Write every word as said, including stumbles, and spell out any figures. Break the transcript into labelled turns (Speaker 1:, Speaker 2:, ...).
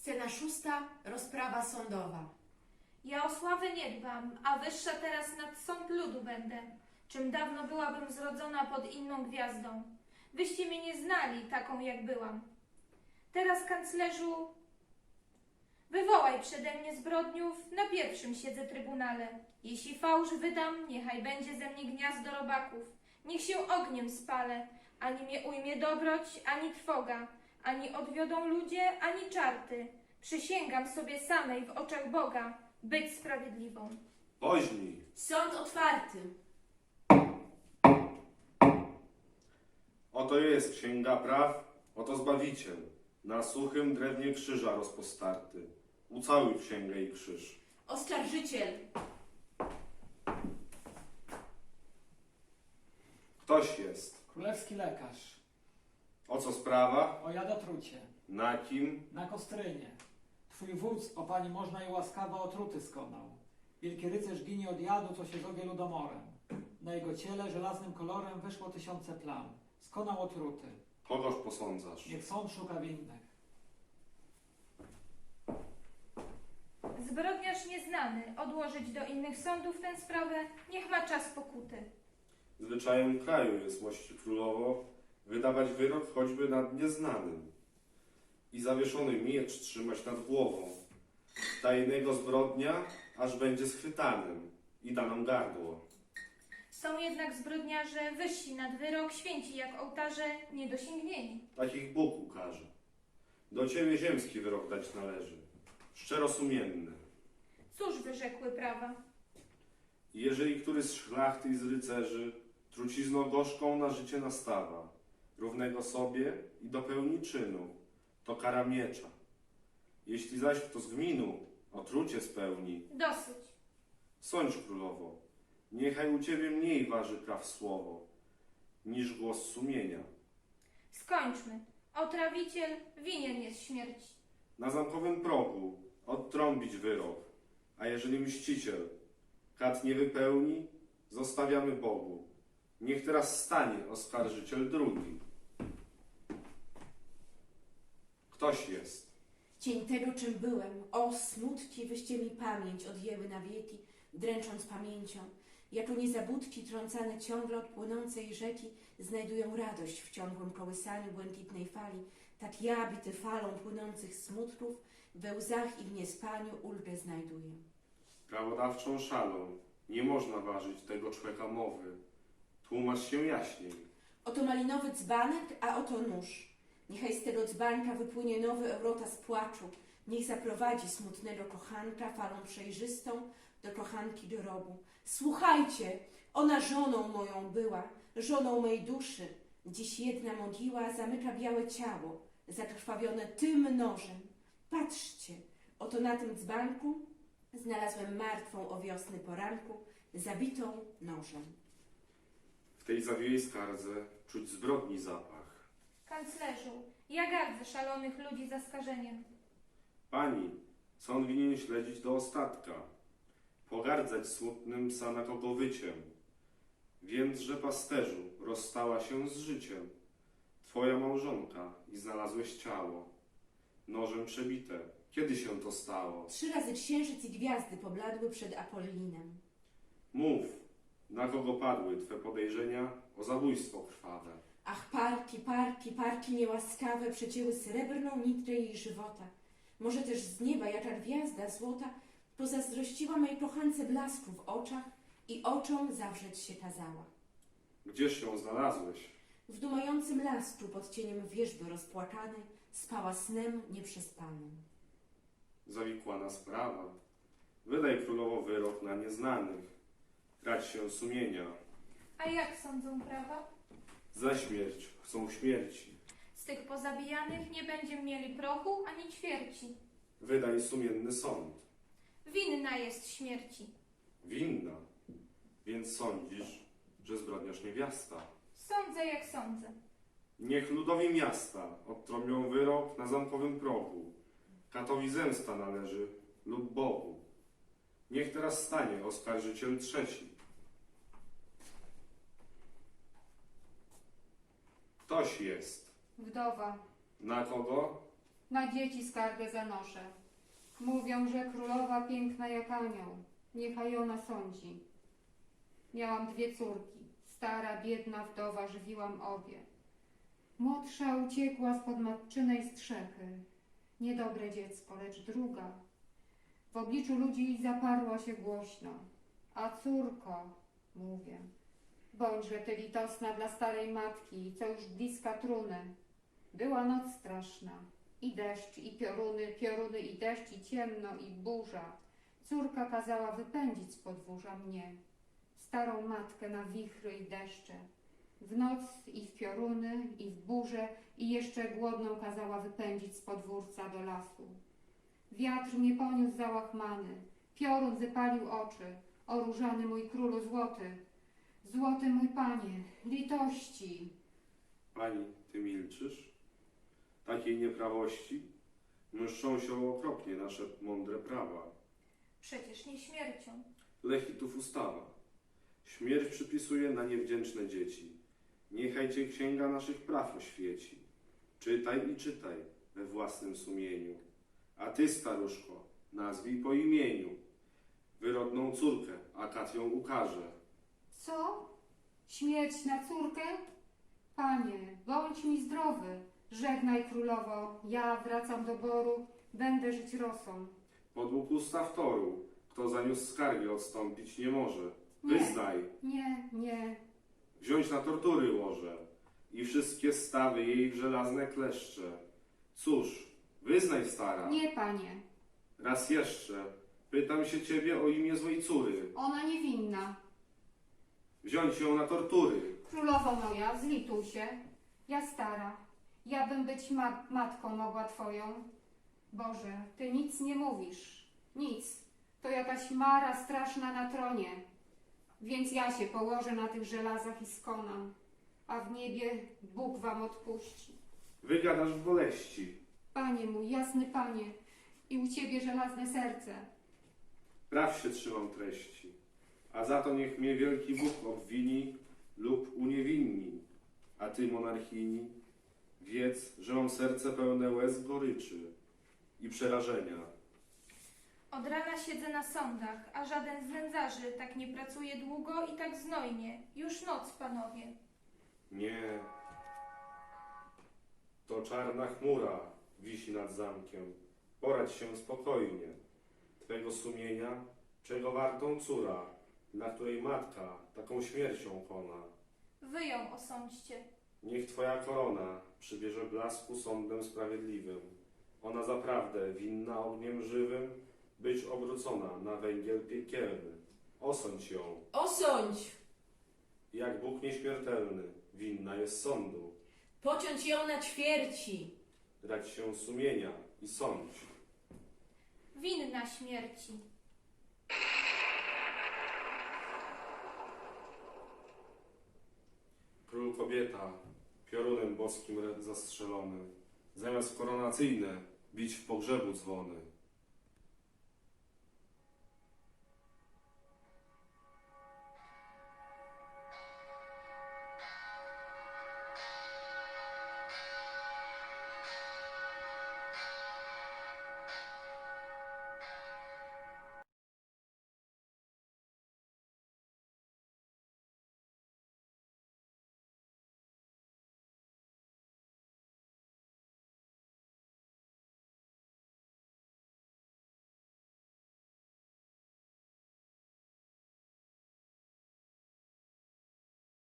Speaker 1: Scena szósta. Rozprawa sądowa.
Speaker 2: Ja o sławę nie dbam, a wyższa teraz nad sąd ludu będę, czym dawno byłabym zrodzona pod inną gwiazdą. Wyście mnie nie znali taką, jak byłam. Teraz, kanclerzu, wywołaj przede mnie zbrodniów, na pierwszym siedzę trybunale. Jeśli fałsz wydam, niechaj będzie ze mnie gniazdo robaków. Niech się ogniem spalę, ani mnie ujmie dobroć, ani trwoga, ani odwiodą ludzie, ani czarty. Przysięgam sobie samej w oczach Boga być sprawiedliwą.
Speaker 3: Woźni,
Speaker 1: Sąd otwarty.
Speaker 3: oto jest księga praw, oto Zbawiciel, na suchym drewnie krzyża rozpostarty. Ucałuj księgę i krzyż.
Speaker 1: Oskarżyciel.
Speaker 3: Ktoś jest.
Speaker 4: Królewski lekarz.
Speaker 3: O co sprawa?
Speaker 4: O jadotrucie.
Speaker 3: Na kim?
Speaker 4: Na Kostrynie. Twój wódz, o pani można i łaskawa otruty skonał. Wielki rycerz ginie od jadu, co się zowie ludomorem. Na jego ciele żelaznym kolorem wyszło tysiące plam. Skonał otruty.
Speaker 3: Kogoż posądzasz?
Speaker 4: Niech sąd szuka winnych.
Speaker 2: Zbrodniarz nieznany, odłożyć do innych sądów tę sprawę, niech ma czas pokuty.
Speaker 3: Zwyczajem kraju jest, mości królowo, wydawać wyrok choćby nad nieznanym i zawieszony miecz trzymać nad głową. Tajnego zbrodnia, aż będzie schwytanym i da nam gardło.
Speaker 2: Są jednak zbrodniarze wyżsi nad wyrok, święci jak ołtarze, niedosięgnieni.
Speaker 3: Takich Bóg ukaże. Do ciebie ziemski wyrok dać należy, szczerosumienny.
Speaker 2: Cóż wyrzekły prawa?
Speaker 3: Jeżeli który z szlachty i z rycerzy trucizną gorzką na życie nastawa, równego sobie i dopełni czynu, to kara miecza. Jeśli zaś kto z gminu otrucie spełni,
Speaker 2: Dosyć.
Speaker 3: sądź królowo, niechaj u ciebie mniej waży praw słowo, niż głos sumienia.
Speaker 2: Skończmy. Otrawiciel winien jest śmierci.
Speaker 3: Na zamkowym progu odtrąbić wyrok, a jeżeli mściciel kat nie wypełni, zostawiamy Bogu. Niech teraz stanie oskarżyciel drugi. Ktoś jest.
Speaker 1: Cień tego, czym byłem. O, smutki, wyście mi pamięć odjęły na wieki, dręcząc pamięcią. Jako niezabudki trącane ciągle od płynącej rzeki znajdują radość w ciągłym kołysaniu błękitnej fali. Tak ja, bity falą płynących smutków, we łzach i w niespaniu ulgę znajduję.
Speaker 3: Prawodawczą szalą nie można ważyć tego człeka mowy. Tłumacz się jaśniej.
Speaker 1: Oto malinowy dzbanek, a oto nóż. Niechaj z tego dzbanka wypłynie nowy Eurota z płaczu. Niech zaprowadzi smutnego kochanka falą przejrzystą do kochanki grobu. Słuchajcie, ona żoną moją była, żoną mej duszy. Dziś jedna mogiła zamyka białe ciało, zakrwawione tym nożem. Patrzcie, oto na tym dzbanku znalazłem martwą o wiosny poranku, zabitą nożem.
Speaker 3: W tej zawiłej skardze czuć zbrodni zapach.
Speaker 2: Kanclerzu, ja gardzę szalonych ludzi zaskarżeniem.
Speaker 3: Pani, sąd winien śledzić do ostatka, pogardzać smutnym psa na kogo wyciem. Więc, że pasterzu rozstała się z życiem, twoja małżonka i znalazłeś ciało, nożem przebite. Kiedy się to stało?
Speaker 1: Trzy razy księżyc i gwiazdy pobladły przed Apollinem.
Speaker 3: Mów, na kogo padły twe podejrzenia o zabójstwo krwawe.
Speaker 1: Ach, parki, parki, parki niełaskawe przecięły srebrną nitrę jej żywota. Może też z nieba jaka gwiazda złota pozazdrościła mej kochance blasku w oczach i oczom zawrzeć się kazała.
Speaker 3: Gdzież ją znalazłeś?
Speaker 1: W dumającym lasku pod cieniem wierzby rozpłakanej spała snem nieprzespanym.
Speaker 3: Zawikłana sprawa. Wydaj królowo wyrok na nieznanych. Rać się sumienia.
Speaker 2: A jak sądzą prawa?
Speaker 3: Za śmierć chcą śmierci.
Speaker 2: Z tych pozabijanych nie będziemy mieli prochu ani ćwierci.
Speaker 3: Wydaj sumienny sąd.
Speaker 2: Winna jest śmierci.
Speaker 3: Winna. Więc sądzisz, że zbrodniarz niewiasta.
Speaker 2: Sądzę jak sądzę.
Speaker 3: Niech ludowi miasta odtrąbią wyrok na zamkowym progu. Katowi zemsta należy lub Bogu. Niech teraz stanie oskarżyciel trzeci. Ktoś jest.
Speaker 2: Wdowa.
Speaker 3: Na kogo?
Speaker 5: Na dzieci skargę zanoszę. Mówią, że królowa piękna jak anioł. Niechaj ona sądzi. Miałam dwie córki. Stara, biedna wdowa, żywiłam obie. Młodsza uciekła spod matczynej strzechy. Niedobre dziecko, lecz druga. W obliczu ludzi zaparła się głośno. A córko, mówię, bądźże ty litosna dla starej matki, co już bliska truny. Była noc straszna, i deszcz, i pioruny, pioruny, i deszcz, i ciemno, i burza. Córka kazała wypędzić z podwórza mnie, starą matkę na wichry i deszcze. W noc i w pioruny, i w burzę, i jeszcze głodną kazała wypędzić z podwórca do lasu. Wiatr mnie poniósł załachmany, piorun wypalił oczy, o różany mój królu złoty. Złoty mój panie, litości.
Speaker 3: Pani, ty milczysz? Takiej nieprawości mszczą się okropnie nasze mądre prawa.
Speaker 2: Przecież nie śmiercią.
Speaker 3: Lechitów ustawa. Śmierć przypisuje na niewdzięczne dzieci. Niechaj cię księga naszych praw oświeci. Czytaj i czytaj we własnym sumieniu. A ty, staruszko, nazwij po imieniu wyrodną córkę, a kat ją ukaże.
Speaker 5: Co? Śmierć na córkę? Panie, bądź mi zdrowy. Żegnaj królowo, ja wracam do boru, będę żyć rosą.
Speaker 3: Podług ustaw toru, kto zaniósł skargę odstąpić nie może.
Speaker 5: Nie.
Speaker 3: Wyznaj,
Speaker 5: Nie, nie,
Speaker 3: wziąć na tortury łoże i wszystkie stawy jej w żelazne kleszcze. Cóż, wyznaj, stara.
Speaker 5: nie, panie.
Speaker 3: Raz jeszcze, pytam się ciebie o imię złej córy.
Speaker 5: Ona niewinna.
Speaker 3: Wziąć ją na tortury.
Speaker 5: Królowo moja, zlituj się. Ja stara, ja bym być ma matką mogła twoją. Boże, ty nic nie mówisz. Nic. To jakaś mara straszna na tronie. Więc ja się położę na tych żelazach i skonam. A w niebie Bóg wam odpuści.
Speaker 3: Wygadasz w boleści.
Speaker 5: Panie mój, jasny Panie, i u Ciebie żelazne serce.
Speaker 3: Praw się trzymam treści. A za to niech mnie wielki Bóg obwini lub uniewinni. A ty, monarchini, wiedz, że mam serce pełne łez goryczy i przerażenia.
Speaker 2: Od rana siedzę na sądach, a żaden z nędzarzy tak nie pracuje długo i tak znojnie. Już noc, panowie.
Speaker 3: Nie, to czarna chmura wisi nad zamkiem. Poradź się spokojnie. Twego sumienia, czego wartą córa, dla której matka taką śmiercią kona.
Speaker 2: Wy ją osądźcie.
Speaker 3: Niech twoja korona przybierze blasku sądem sprawiedliwym. Ona zaprawdę winna ogniem żywym być obrócona na węgiel piekielny. Osądź ją,
Speaker 1: Osądź!
Speaker 3: jak Bóg nieśmiertelny, winna jest sądu.
Speaker 1: Pociąć ją na ćwierci!
Speaker 3: Dać się sumienia i sądź.
Speaker 2: Winna śmierci.
Speaker 3: Król kobieta, piorunem boskim zastrzelony, zamiast koronacyjne bić w pogrzebu dzwony.